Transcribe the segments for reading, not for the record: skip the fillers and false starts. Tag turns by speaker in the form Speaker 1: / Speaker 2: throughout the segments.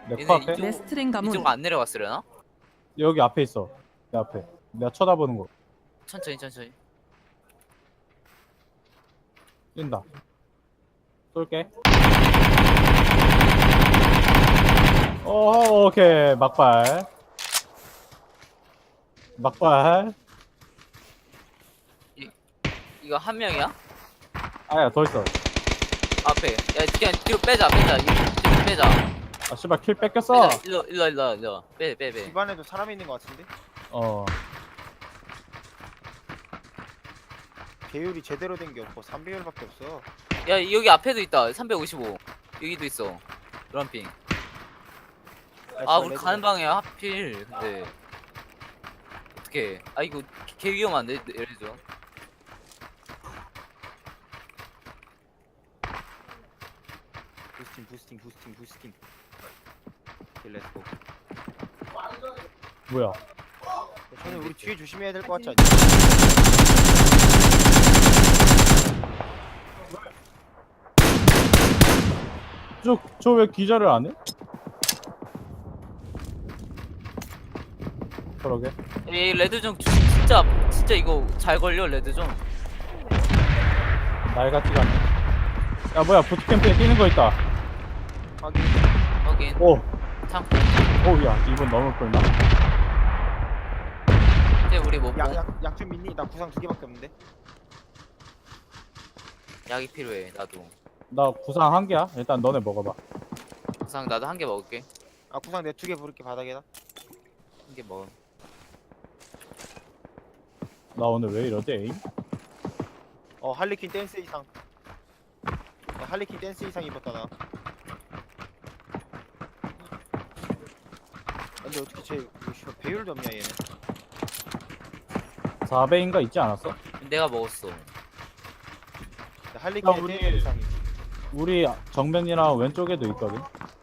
Speaker 1: 내
Speaker 2: 얘네
Speaker 1: 코앞에?
Speaker 2: 이쪽-
Speaker 3: 레스트랭 가문.
Speaker 2: 이쪽 안 내려갔으려나?
Speaker 1: 여기 앞에 있어. 내 앞에. 내가 쳐다보는 거.
Speaker 2: 천천히.
Speaker 1: 뛴다. 쏠게. 오케이. 막발.
Speaker 2: 이거 한 명이야?
Speaker 1: 아야, 더 있어.
Speaker 2: 앞에. 야 그냥 뒤로 빼자. 뒤로 빼자.
Speaker 1: 아, 씨발, 킬 뺏겼어.
Speaker 2: 빼자. 일로. 빼.
Speaker 4: 집안에도 사람이 있는 것 같은데?
Speaker 1: 어.
Speaker 4: 배율이 제대로 된 게 없고 3배율밖에 없어.
Speaker 2: 야 여기 앞에도 있다. 355. 여기도 있어. 럼핑. 아 우리 가는 방이야 하필. 근데 어떻게? 아 이거 개 위험한데 예를
Speaker 4: 부스팅. 오케이, 렛츠고.
Speaker 1: 뭐야.
Speaker 4: 저는 우리 뒤에 조심해야 될 것 같지 않냐?
Speaker 1: 저 왜 기절을 안 해? 그러게.
Speaker 2: 이 레드존 진짜 이거 잘 걸려 레드존.
Speaker 1: 날 같지가 않네. 야, 뭐야. 부트캠프에 뛰는 거 있다.
Speaker 2: 확인.
Speaker 1: 오.
Speaker 2: 창고.
Speaker 1: 오, 야. 이분 너무 꿀나.
Speaker 2: 이제 우리 뭐
Speaker 4: 약 좀 있니? 나 구상 2개밖에 없는데.
Speaker 2: 약이 필요해. 나도.
Speaker 1: 나 구상 1개야. 일단 너네 먹어봐.
Speaker 2: 우상 나도 한 개 먹을게.
Speaker 4: 아 구상 내 2개 부를게 바닥에다.
Speaker 2: 한 개 먹어.
Speaker 1: 나 오늘 왜 이러지, 에임?
Speaker 4: 할리퀸 댄스 이상. 야, 할리퀸 댄스 이상 입었다 나. 근데 어떻게 쟤 배율도 없냐 얘는.
Speaker 1: 4배인가 있지 않았어?
Speaker 2: 내가 먹었어.
Speaker 4: 야, 할리퀸
Speaker 1: 우리-
Speaker 4: 댄스 이상이.
Speaker 1: 우리 정면이랑 왼쪽에도 있거든.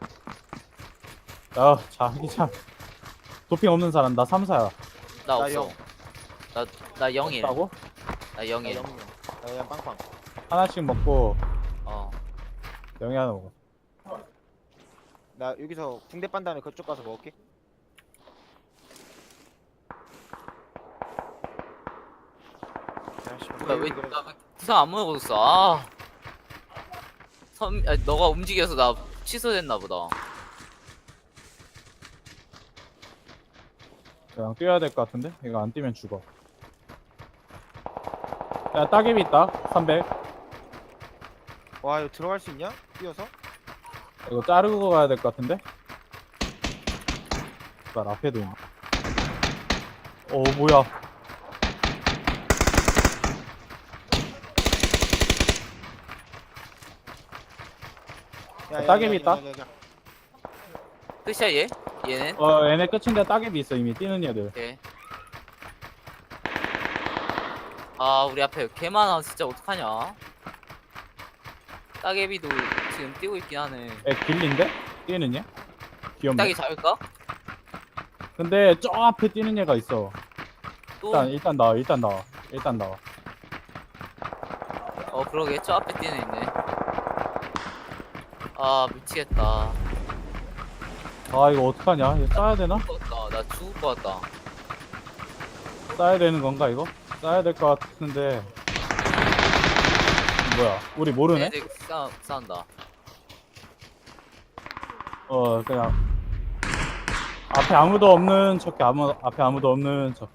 Speaker 1: 야, 자기장. 도핑 없는 사람 나 3사야.
Speaker 2: 나
Speaker 4: 나
Speaker 2: 없어.
Speaker 4: 영.
Speaker 2: 나 0일.
Speaker 1: 없다고?
Speaker 2: 나
Speaker 4: 나
Speaker 2: 0일.
Speaker 4: 영영. 나 그냥 빵빵.
Speaker 1: 하나씩 먹고
Speaker 2: 어.
Speaker 1: 영이 하나 먹어.
Speaker 4: 나 여기서 붕대 빤 다음에 그쪽 가서 먹을게. 야, 씨,
Speaker 2: 뭐야
Speaker 4: 배율이 그래.
Speaker 2: 왜나 구상 안 먹었어? 너가 움직여서 나 취소됐나 보다.
Speaker 1: 그냥 뛰어야 될 것 같은데? 이거 안 뛰면 죽어. 야, 따개비 있다. 300.
Speaker 4: 와 이거 들어갈 수 있냐? 뛰어서?
Speaker 1: 이거 자르고 가야 될 것 같은데? 날 앞에도 있네. 오, 뭐야. 따개비 있다?
Speaker 2: 끝이야 얘? 얘는?
Speaker 1: 얘네 끝인데 따개비 있어. 이미 뛰는 애들.
Speaker 2: 오케이. 아 우리 앞에 개 많아 진짜 어떡하냐. 따개비도 지금 뛰고 있긴 하네.
Speaker 1: 애 길린데? 뛰는 얘? 귀엽네.
Speaker 2: 따개 잡을까?
Speaker 1: 근데 저 앞에 뛰는 얘가 있어.
Speaker 2: 또?
Speaker 1: 일단 나와.
Speaker 2: 그러게 저 앞에 뛰는 있네. 아 미치겠다.
Speaker 1: 아, 이거 어떡하냐? 이거 싸야 되나?
Speaker 2: 죽었다. 나 죽을 것 같다.
Speaker 1: 싸야 되는 건가 이거? 싸야 될 것 같은데. 뭐야? 우리 모르네?
Speaker 2: 애들 싸운다.
Speaker 1: 그냥 앞에 아무도 없는 척해. 앞에 아무도 없는 척.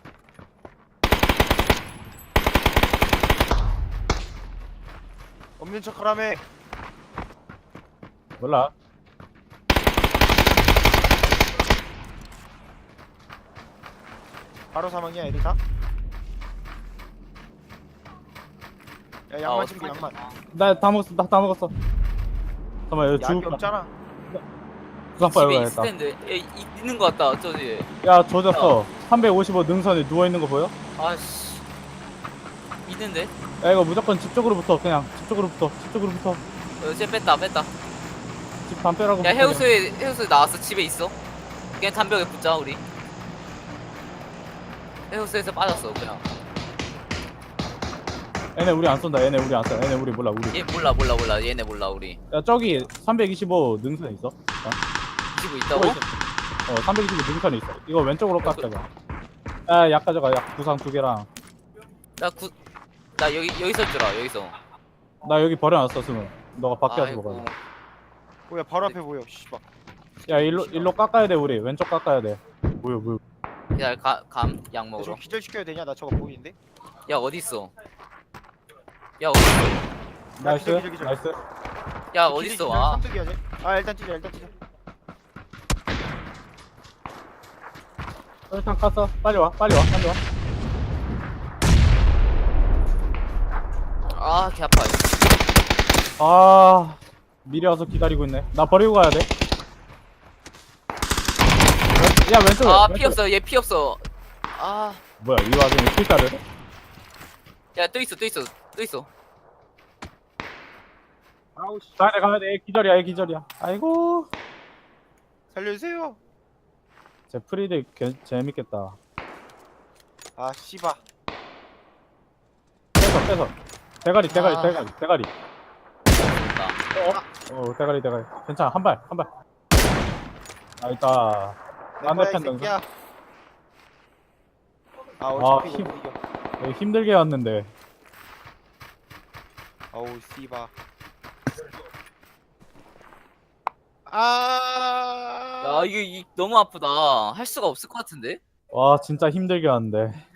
Speaker 4: 없는 척하라며.
Speaker 1: 몰라.
Speaker 4: 바로 사망이야 애들 다? 야 양만 챙겨 양만.
Speaker 1: 나 다 먹었어. 잠깐만, 이거
Speaker 4: 약이
Speaker 1: 죽을 거야.
Speaker 4: 없잖아.
Speaker 1: 구상 빨리
Speaker 2: 집에
Speaker 1: 가야겠다.
Speaker 2: 있을 텐데. 있는 것 같다. 저기.
Speaker 1: 야, 조졌어. 355 능선에 누워있는 거 보여?
Speaker 2: 아씨. 있는데?
Speaker 1: 야, 이거 무조건 집 쪽으로 붙어. 그냥 집 쪽으로 붙어.
Speaker 2: 쟤 뺐다.
Speaker 1: 집 담벼락으로
Speaker 2: 야
Speaker 1: 붙어,
Speaker 2: 해우소에 나왔어. 집에 있어. 그냥 담벼락에 붙자 우리. 해우소에서 빠졌어 그냥.
Speaker 1: 얘네 우리 안 쏜다. 얘네 우리 몰라. 우리.
Speaker 2: 얘 몰라. 얘네 몰라 우리.
Speaker 1: 야, 저기 325 능선에 있어. 자.
Speaker 2: 325 있다고?
Speaker 1: 325 능선에 있어. 이거 왼쪽으로 깎아봐. 약 가져가. 약 구상 2개랑.
Speaker 2: 나 여기서 주라 여기서.
Speaker 1: 나 여기 버려놨어, 스문. 너가 밖에 와서
Speaker 2: 아이고.
Speaker 1: 먹어.
Speaker 4: 뭐야 바로 앞에 보여. 씨발.
Speaker 1: 야, 일로 깎아야 돼, 우리. 왼쪽 깎아야 돼. 뭐야.
Speaker 2: 야, 약 먹으러.
Speaker 4: 저 기절시켜야 되냐? 나 저거 보이는데?
Speaker 2: 야, 어디 있어? 야, 어디 있어?
Speaker 1: 나이스,
Speaker 4: 기절.
Speaker 1: 나이스.
Speaker 2: 야, 어디 있어? 아,
Speaker 4: 삼뚝이야 쟤. 아 일단 찢어.
Speaker 1: 일단 깠어. 빨리 와.
Speaker 2: 아, 개 아파.
Speaker 1: 아, 미리 와서 기다리고 있네. 나 버리고 가야 돼. 야, 왼쪽에.
Speaker 2: 아,
Speaker 1: 왼쪽에.
Speaker 2: 피 없어. 얘 피 없어. 아,
Speaker 1: 뭐야, 이 와중에 필다를?
Speaker 2: 야, 또 있어.
Speaker 4: 아우 씨.
Speaker 1: 가야 돼. 얘 기절이야. 아이고.
Speaker 4: 살려주세요.
Speaker 1: 제 프리드 재밌겠다.
Speaker 4: 아 씨발.
Speaker 1: 빼서. 대가리.
Speaker 2: 나.
Speaker 1: 대가리. 괜찮아. 한 발. 아, 있다.
Speaker 4: 내
Speaker 1: 안
Speaker 4: 거야 이
Speaker 1: 잡혔는데.
Speaker 4: 새끼야. 아 어차피
Speaker 1: 힘.
Speaker 4: 못 이겨.
Speaker 1: 여기 힘들게 왔는데.
Speaker 4: 아우 씨발. 아.
Speaker 2: 야, 이게 너무 아프다. 할 수가 없을 것 같은데?
Speaker 1: 와, 진짜 힘들게 왔는데.